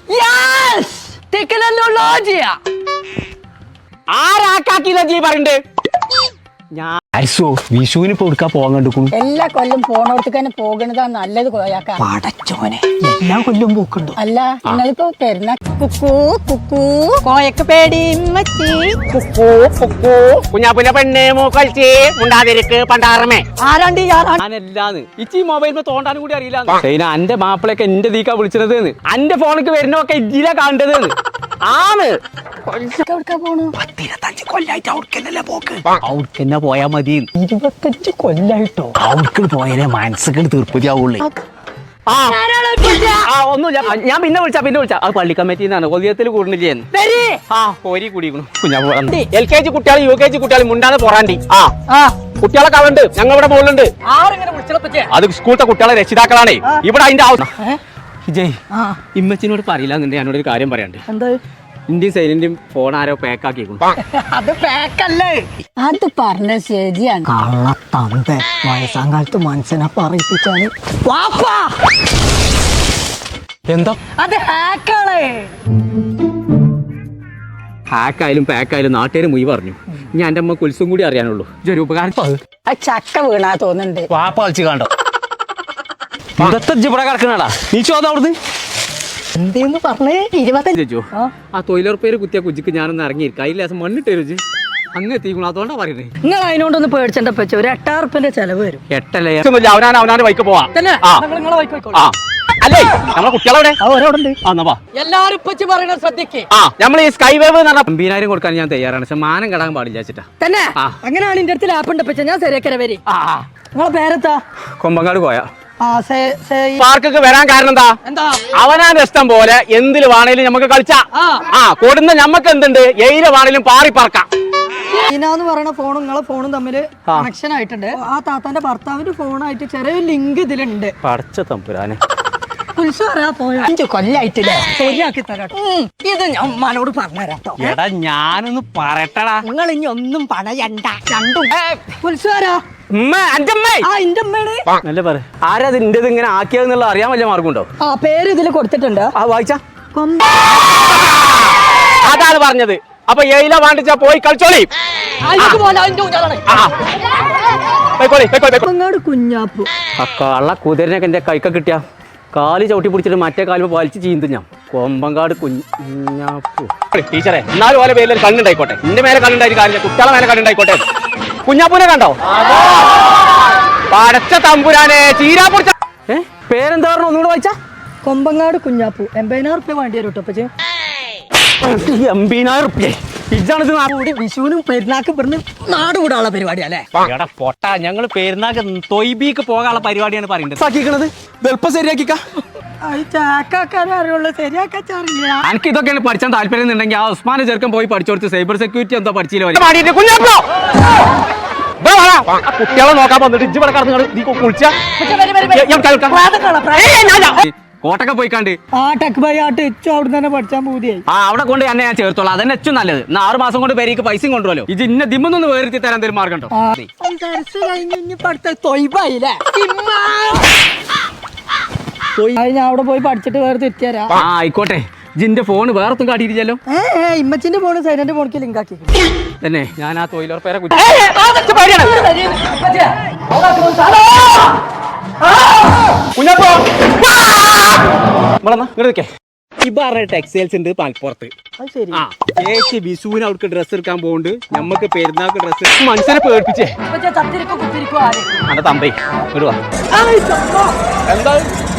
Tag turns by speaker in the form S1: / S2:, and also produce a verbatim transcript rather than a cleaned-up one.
S1: ആരാക്കാക്കില്ല G പറയണ്ടേ ഞാൻ വിഷുവിന് കൊടുക്കാൻ പോകാൻ കണ്ടുക്കുന്നു.
S2: എല്ലാ കൊല്ലം പോണോടത്ത് തന്നെ പോകണതാണ് നല്ലത്.
S1: പടച്ചോനെ എല്ലാ കൊല്ലം പോക്കുണ്ടോ?
S2: അല്ല നിങ്ങളിപ്പോ പെരുന്ന കുക്കൂ കുക്കൂ കോയക്ക് പേടി
S1: കുഞ്ഞാപ്പുല പെണ്ണേ മൂക്കൽച്ചി മുണ്ടാതിരിക്ക് പണ്ടാറമേ
S2: ആരാണ്ട്
S1: ഞാനല്ലാന്ന് ഇച്ചി മൊബൈലിൽ തോണ്ടാനും കൂടി അറിയില്ല. അന്റെ മാപ്പിളൊക്കെ എന്റെ ദീക്കാ വിളിച്ചത് അന്റെ ഫോണിക്ക് വരുന്നൊക്കെ ഇജില കാണേണ്ടത് ആണ്. പത്തിരുപത്തഞ്ച് കൊല്ലായിട്ട് അവർക്കെന്നല്ലേ പോക്ക്. അവർക്കെന്നെ പോയാ മതി. ഇരുപത്തഞ്ച് കൊല്ലായിട്ടോ അവർക്ക് പോയാലേ മനസ്സൊക്കെ തീർപ്പതിയാവുള്ളേ. ഒന്നുമില്ല, ഞാൻ പിന്നെ വിളിച്ചാ പിന്നെ വിളിച്ചാ അത് പള്ളി കമ്മിറ്റിന്നാണ് കൊതിയത്തിൽ കൂടുന്നില്ലേ. ആ കോരി കൂടിക്കണു കുഞ്ഞാപ്പു. എൽ കെ ജി കുട്ടികൾ യു കെ ജി കുട്ടികൾ മുണ്ടാതെ പൊറാണ്ടി. ആ കുട്ടികളൊക്കെ അവിടെ ഉണ്ട്, ഞങ്ങളുടെ മുകളിലുണ്ട്. അത് സ്കൂളത്തെ കുട്ടികളെ രക്ഷിതാക്കളാണേ. ഇവിടെ അതിന്റെ ആവശ്യം വിജയ് ഇമ്മച്ചിനോട് പറയില്ല എന്നുണ്ടെങ്കിൽ ഞാനോട് ഒരു കാര്യം പറയാണ്ട്.
S2: എന്താ?
S1: ഇന്ത്യൻ സൈലന്റും ഫോൺ ആരോ പാക്കാക്കി.
S2: അത് പാക്കല്ലേ, അത് പറഞ്ഞ ശരിയാണ്. കള്ളത്തന്ത വയസ്സാം കാലത്ത് മനസ്സിനെ പറയിപ്പിച്ചാണ്.
S1: എന്താ
S2: അത് ഹാക്കാണ്.
S1: ഹാക്കായാലും പാക്കായാലും നാട്ടുകാർ മുയി പറഞ്ഞു. ഞാൻ എന്റെ അമ്മ കുൽസും കൂടി അറിയാനുള്ളൂ. ഇതൊരു ഉപകാരം.
S2: ചക്ക വീണാ തോന്നുന്നുണ്ട്.
S1: വാപ്പ കളിച്ച് കണ്ടോ ഇവിടെ കിടക്കണടാ. നീ ചോദ അവിടുന്ന്
S2: എന്തേന്ന് പറഞ്ഞേ? ഇരുപത്തഞ്ചോ
S1: ആ തൊഴിലുറപ്പേര് കുത്തിയ കുജിക്ക് ഞാനൊന്ന് ഇറങ്ങിയിരിക്കും. അതിൽ ലേസം മണ്ണിട്ട് രുചി അങ്ങ് എത്തിക്കണം. അതുകൊണ്ടാ പറയുന്നത്.
S2: നിങ്ങൾ അതിനോടൊന്ന് പേടിച്ചെന്റെ പച്ച ഒരു എട്ടായിരത്തിന്റെ ചെലവ് വരും.
S1: എട്ടല്ലേ അവനാൻ അവനാന്റെ വൈക്ക് പോവാ. അല്ലേ നമ്മളെ കുട്ടികളവിടെ
S2: എല്ലാരും പറയുന്നത് ശ്രദ്ധിക്കേ.
S1: ആ നമ്മൾ ഈ സ്കൈ വേവ് എന്ന് പറഞ്ഞ അമ്പതിനായിരം കൊടുക്കാൻ ഞാൻ തയ്യാറാണ്. പക്ഷെ മാനം കടാൻ പാടില്ല വെച്ചിട്ടാ
S2: തന്നെ. അങ്ങനെയാണ് എന്റെ അടുത്ത് ലാപ്പ് ഉണ്ട്. ഞാൻ ശരിയാക്കര വരി. നിങ്ങളെ പേരെത്താ?
S1: കൊമ്പങ്ങാട് പോയാ
S2: പാർക്കൊക്കെ
S1: വരാൻ കാരണം എന്താ? അവനാൻ ഇഷ്ടം പോലെ എന്തില് വേണേലും നമുക്ക് കളിച്ചാ. ആ കൊടുന്ന ഞമ്മക്ക് എന്തുണ്ട്, എയില് വേണേലും പാറി പറക്കാം.
S2: എന്ന് പറയുന്ന ഫോണും നിങ്ങളെ ഫോണും തമ്മിൽ കണക്ഷൻ ആയിട്ടുണ്ട്. ആ താത്താന്റെ ഭർത്താവിന്റെ ഫോണായിട്ട് ചെറിയൊരു ലിങ്ക് ഇതിലുണ്ട്.
S1: പടച്ച തമ്പുരാനെ
S2: അഞ്ചു കൊല്ലായിട്ടില്ലേ ശരിയാക്കി തരാട്ടോ. ഇത് ഞാൻ ഉമ്മാനോട് പറഞ്ഞുതരാട്ടോ.
S1: എടാ ഞാനൊന്ന് പറയട്ടടാ.
S2: നിങ്ങൾ ഇനി ഒന്നും പറയണ്ട. രണ്ടും കുൽസാരാ
S1: ആരാ ഇന്റേത് ഇങ്ങനെ ആക്കിയതെന്നുള്ള അറിയാൻ വല്ല മാർഗമുണ്ടോ?
S2: ആ പേര് ഇതിൽ കൊടുത്തിട്ടുണ്ട്.
S1: ആ വായിച്ചാ അതാണ് പറഞ്ഞത്. അപ്പൊ എയില വാണ്ടിച്ചാ പോയി കളിച്ചോളി.
S2: കുഞ്ഞാപ്പു
S1: കള്ള കുതിരനൊക്കെ എന്റെ കൈക്ക കിട്ടിയ കാല് ചവിട്ടി പിടിച്ചിട്ട് മറ്റേ കാലും വലിച്ചു ചീന്തു ഞാൻ. കൊമ്പങ്കാട് കുഞ്ഞാപ്പു ടീച്ചറെ എന്നാലും പോലെ പേരിൽ കണ്ണുണ്ടായിക്കോട്ടെ. എന്റെ മേലെ കണ്ണുണ്ടായി കാര്യം കുട്ടികളെ മേലെ കണ്ണുണ്ടായിക്കോട്ടെ. കുഞ്ഞാപ്പൂനെ കണ്ടോ? പടച്ച തമ്പുരാനെ ചീരാപ്പുറ. ഏ പേരെന്താ പറഞ്ഞു ഒന്നുകൂടെ വായിച്ചാ?
S2: കൊമ്പങ്ങാട് കുഞ്ഞാപ്പു. എൺപതിനായിരം റുപ്യ വേണ്ടി വരും കേട്ടോ.
S1: എൺപതിനായിരം റുപ്യ ഇതാണിത്.
S2: വിഷുവിനും പെരുന്നാക്ക് പറഞ്ഞ് നാട് കൂടാനുള്ള പരിപാടിയല്ലേ?
S1: എടാ പൊട്ട, ഞങ്ങള് പെരുന്നാക്ക് തൊയ്ബിക്ക് പോകാനുള്ള പരിപാടിയാണ് പറയുന്നത്. എളുപ്പം ശരിയാക്കിക്കാ. എനിക്ക് ഇതൊക്കെയാണ് പഠിച്ചാൽ താല്പര്യം ഉണ്ടെങ്കിൽ ആ ഉസ്മാനെ ചെറുക്കം പോയി പഠിച്ചു കൊടുത്ത് സൈബർ സെക്യൂരിറ്റി എന്തോ പഠിച്ചില്ല. കുട്ടികളെ നോക്കാൻ വന്നിട്ട് ഇജ്ജ് ഇവിടെ കടന്നു കുളിച്ച കോട്ടൊക്കെ പോയിക്കാണ്ട്
S2: തന്നെ പഠിച്ചാൻ പൂതിയായി.
S1: ആ അവിടെ കൊണ്ട് തന്നെ ഞാൻ ചേർത്തോളാം. അതന്നെ ഏറ്റവും നല്ലത്. എന്നാ ആറ് മാസം കൊണ്ട് പേരേക്ക് പൈസയും കൊണ്ടുവല്ലോ. ഇത് ഇന്ന ദിമ്മൊന്നും വേർത്തി തരാൻ എന്തെങ്കിലും മാർഗം ഉണ്ടോ?
S2: ഞാൻ അവിടെ പോയി പഠിച്ചിട്ട് വേറെ തെറ്റിയാരാ.
S1: ആ ആയിക്കോട്ടെ. ജിന്റെ ഫോൺ വേറെത്തും കാട്ടിയിരിക്കല്ലോ.
S2: ഇമ്മച്ചിന്റെ ഫോണ് സൈലന്റ് ഫോണിക്ക് ലിങ്ക് ആക്കി
S1: തന്നെ. ഞാൻ ആ തൊഴിലുറപ്പേരെ ടെക്സ്റ്റൈൽസ് ഉണ്ട് പാൽപ്പുറത്ത്. ചേച്ചി വിഷുവിന് അവർക്ക് ഡ്രസ്സ് എടുക്കാൻ പോകുന്നുണ്ട്. നമ്മക്ക് പെരുന്നാൾക്ക് ഡ്രസ്സ്. മനുഷ്യനെ പേടിപ്പിച്ചേ.
S2: കുത്തിരിക്കോ
S1: അന്റെ തമ്പേ എന്താ